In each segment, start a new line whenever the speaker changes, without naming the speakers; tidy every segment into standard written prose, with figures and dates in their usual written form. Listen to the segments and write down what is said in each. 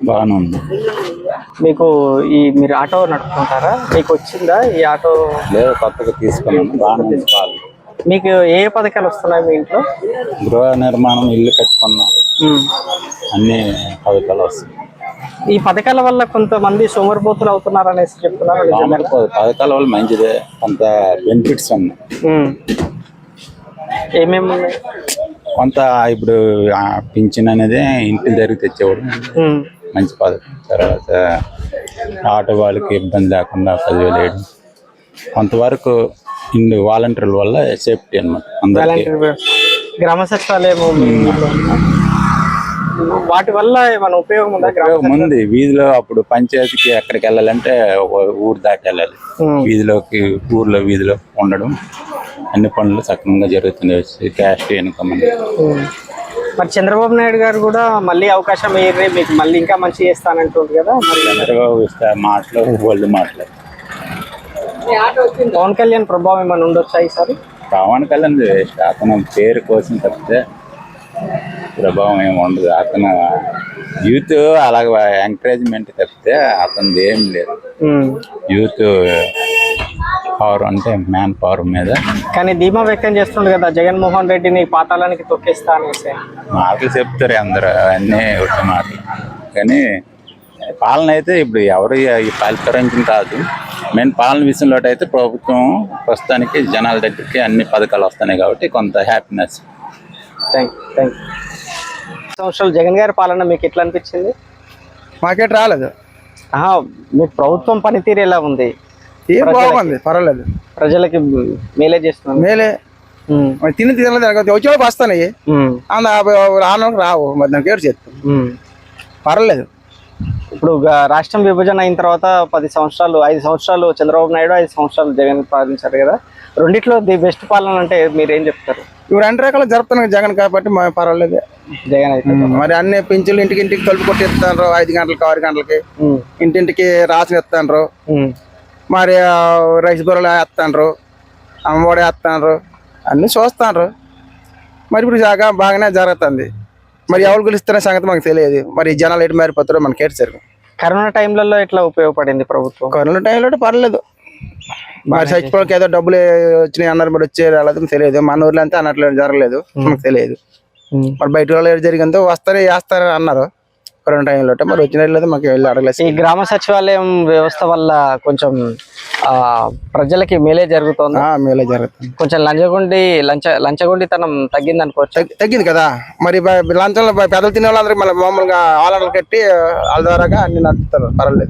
బాగానే ఉంది.
మీకు మీరు ఆటో నడుపుకుంటారా? మీకు వచ్చిందా ఈ ఆటో?
లేదు, కొత్తగా తీసుకున్నాను. బాగానే తీసుకోవాలి.
మీకు ఏ పథకాలు వస్తున్నాయి మీ ఇంట్లో?
గృహ నిర్మాణం, ఇల్లు కట్టుకున్నాం, అన్ని పథకాలు వస్తాయి.
ఈ పథకాల వల్ల కొంతమంది సోమరిపోతులు అవుతున్నారు అనేసి చెప్తున్నారు.
పథకాల వల్ల మంచిదే, కొంత బెనిఫిట్స్ ఉన్నాయి.
ఏమేమి ఉన్నాయి?
కొంత ఇప్పుడు పింఛన్ అనేది ఇంటి దగ్గరికి తెచ్చేవాడు, మంచి పథకం. తర్వాత ఆటో వాళ్ళకి ఇబ్బంది లేకుండా 10,000 వేయడం, కొంతవరకు ఇన్ని వాలంటీర్ల వల్ల సేఫ్టీ అన్నమాట.
గ్రామ సచివాలయం వాటి వల్ల ఏమైనా ఉపయోగం ఉందా?
ఉపయోగం ఉంది. వీధిలో అప్పుడు పంచాయతీకి ఎక్కడికి వెళ్ళాలంటే ఒక ఊరు దాటి వెళ్ళాలి. వీధిలోకి ఊర్లో వీధిలో ఉండడం, అన్ని పనులు సక్రమంగా జరుగుతున్నాయి. క్యాష్ ఇన్కమ్ అనేది.
మరి చంద్రబాబు నాయుడు గారు కూడా మళ్ళీ అవకాశం వేయరే, మీకు మళ్ళీ ఇంకా మంచి చేస్తానంటుంది కదా. మరి
చంద్రబాబు మాటలు వాళ్ళు మాట్లాడు.
పవన్ కళ్యాణ్ ప్రభావం ఏమైనా ఉండొచ్చా ఈసారి?
పవన్ కళ్యాణ్ అతను పేరు కోసం తప్పితే ప్రభావం ఏమి ఉండదు. అతను యూత్ అలాగ ఎంకరేజ్మెంట్ తప్పితే అతనిది ఏం లేదు. యూత్ పవర్ అంటే మ్యాన్ పవర్ మీద.
కానీ ధీమా వ్యక్తం చేస్తుండే కదా జగన్మోహన్ రెడ్డిని పాతాళానికి తొక్కేస్తా అనేసి.
మాటలు చెప్తారు అందరూ, అన్నీ వచ్చే మాటలు. కానీ పాలన అయితే ఇప్పుడు ఎవరు ఈ పరిపాలించిన కాదు. మెయిన్ పాలన విషయంలో అయితే ప్రభుత్వం ప్రస్తుతానికి జనాల దగ్గరికి అన్ని పథకాలు వస్తున్నాయి కాబట్టి కొంత హ్యాపీనెస్.
Thank you. సంవత్సరాలు జగన్ గారి పాలన మీకు ఎట్లా అనిపించింది?
మాకేట్ రాలేదు.
మీకు ప్రభుత్వం పనితీరు ఎలా ఉంది?
బాగుంది, పర్వాలేదు.
ప్రజలకి మేలే చేస్తున్నాం.
మేలే తిని వచ్చేవాళ్ళకి వస్తాయి, రానోళ్ళకి రావు. మరి నాకు ఏడు చేస్తాం, పర్వాలేదు.
ఇప్పుడు రాష్ట్రం విభజన అయిన తర్వాత 5 సంవత్సరాలు చంద్రబాబు నాయుడు, 5 సంవత్సరాలు జగన్ పాలించారు కదా. రెండిట్లో ది బెస్ట్ పాలన అంటే మీరు ఏం చెప్తారు?
ఇప్పుడు 2 రకాలు జరుపుతున్నాయి జగన్ కాబట్టి పర్వాలేదు.
జగన్ అయితే
మరి అన్ని పింఛన్లు ఇంటికి తలుపు కొట్టి ఇస్తాను, 5 గంటలకి 6 గంటలకి ఇంటింటికి రాసిన ఇస్తాను. మరి రైస్ బొరలు వేస్తాను, అమ్మఒడి వేస్తాను, అన్నీ చూస్తాను. మరి ఇప్పుడు బాగానే జరుగుతుంది. మరి ఎవరు గెలుస్తున్న సంగతి మాకు తెలియదు. మరి జనాలు ఎటు మారిపోతారో మనకి ఏడు సరుకు.
కరోనా టైంలలో ఎట్లా ఉపయోగపడింది ప్రభుత్వం?
కరోనా టైంలో పర్లేదు. మరి చచ్చిపోవడానికి ఏదో డబ్బులు వచ్చినాయి అన్నారు, మరి వచ్చే రాలేదు తెలియదు. మన ఊర్లో అంతా అన్నట్లు జరగలేదు, మనకు తెలియదు. మరి బయట వాళ్ళు ఏడు జరిగిందో వేస్తారు అన్నారు కరోనా టైంలో. మరి వచ్చిన లేదు, మాకు వెళ్ళి అడగలేదు.
ఈ గ్రామ సచివాలయం వ్యవస్థ వల్ల కొంచెం ప్రజలకి మేలే జరుగుతుంది.
మేలే జరుగుతుంది.
కొంచెం లంచగొండితనం తగ్గింది అనుకోవచ్చు.
తగ్గింది కదా. మరి లంచంలో పెద్దలు తినే వాళ్ళందరికీ మళ్ళీ మామూలుగా ఆలలు కట్టి వాళ్ళ ద్వారాగా అన్ని నడుపుతారు, పర్వాలేదు.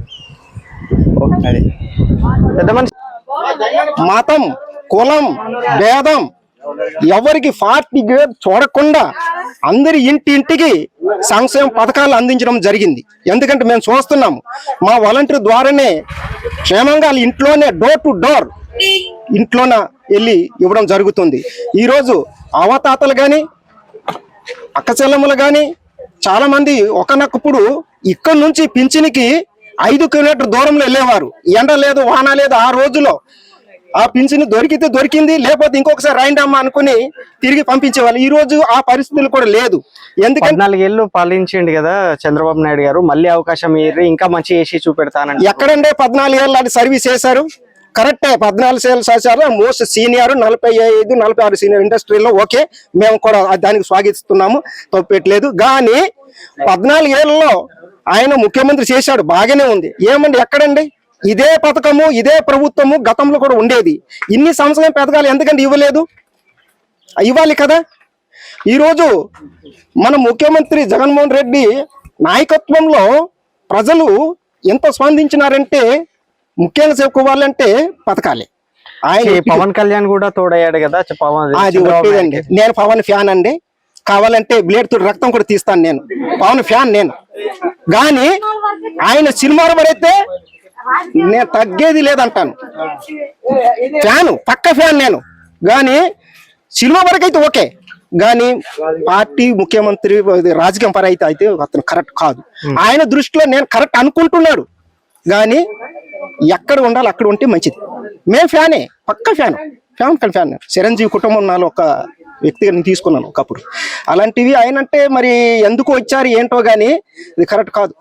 అది
పెద్ద మనిషి
మతం, కులం, భేదం ఎవరికి పార్టీ చూడకుండా అందరి ఇంటికి సంక్షేమ పథకాలు అందించడం జరిగింది. ఎందుకంటే మేము చూస్తున్నాము, మా వాలంటీర్ ద్వారానే క్షేమంగా ఇంట్లోనే డోర్ టు డోర్ ఇంట్లోన వెళ్ళి ఇవ్వడం జరుగుతుంది. ఈరోజు అవతాతలు కానీ అక్క చెల్లెమ్మలు కానీ చాలా మంది ఒకనొకప్పుడు ఇక్కడ నుంచి పింఛనికి 5 కిలోమీటర్ దూరంలో వెళ్ళేవారు. ఎండ లేదు, వాన లేదు. ఆ రోజులో ఆ పింఛన్ దొరికితే దొరికింది, లేకపోతే ఇంకొకసారి రాయండమ్మా అనుకుని తిరిగి పంపించేవాళ్ళు. ఈ రోజు ఆ పరిస్థితులు కూడా లేదు. ఎందుకంటే
14 ఏళ్ళు పాలించండి కదా చంద్రబాబు నాయుడు గారు, మళ్ళీ అవకాశం ఇంకా మంచి చేసి చూపెడతానండి.
ఎక్కడంటే 14 ఏళ్ళు అది సర్వీస్ చేశారు. కరెక్టే, 14 ఏళ్ళు చేశారు. మోస్ట్ సీనియర్, 45-46 సీనియర్ ఇండస్ట్రీలో. ఓకే, మేము కూడా దానికి స్వాగతిస్తున్నాము, తప్పట్లేదు. కానీ 14 ఏళ్లలో ఆయన ముఖ్యమంత్రి చేశాడు, బాగానే ఉంది. ఏమండి ఎక్కడండి ఇదే పథకము, ఇదే ప్రభుత్వము గతంలో కూడా ఉండేది. ఇన్ని సంవత్సరాల పథకాలు ఎందుకంటే ఇవ్వలేదు? ఇవ్వాలి కదా. ఈరోజు మన ముఖ్యమంత్రి జగన్మోహన్ రెడ్డి నాయకత్వంలో ప్రజలు ఎంత స్పందించినారంటే ముఖ్యంగా చెప్పుకోవాలంటే పథకాలే. ఆయన
పవన్ కళ్యాణ్ కూడా తోడయ్యాడు కదా.
అది ఒకేదండి. నేను పవన్ ఫ్యాన్ అండి. కావాలంటే బ్లేడ్ తోటి రక్తం కూడా తీస్తాను. నేను పవన్ ఫ్యాన్ నేను. కానీ ఆయన సినిమాలు పడితే నేను తగ్గేది లేదంటాను. ఫ్యాను, పక్క ఫ్యాన్ నేను. కానీ సినిమా వరకు అయితే ఓకే, కానీ పార్టీ ముఖ్యమంత్రి రాజకీయం పర అయితే అతను కరెక్ట్ కాదు. ఆయన దృష్టిలో నేను కరెక్ట్ అనుకుంటున్నాడు, కానీ ఎక్కడ ఉండాలి అక్కడ ఉంటే మంచిది. మేము ఫ్యానే, పక్క ఫ్యాన్. చిరంజీవి కుటుంబం నాలో ఒక వ్యక్తిగా నేను తీసుకున్నాను ఒకప్పుడు. అలాంటివి ఆయన అంటే మరి ఎందుకు వచ్చారు ఏంటో, కానీ ఇది కరెక్ట్ కాదు.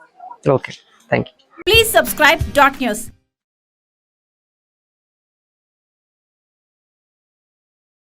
Okay, thank you.
Please subscribe Dot News.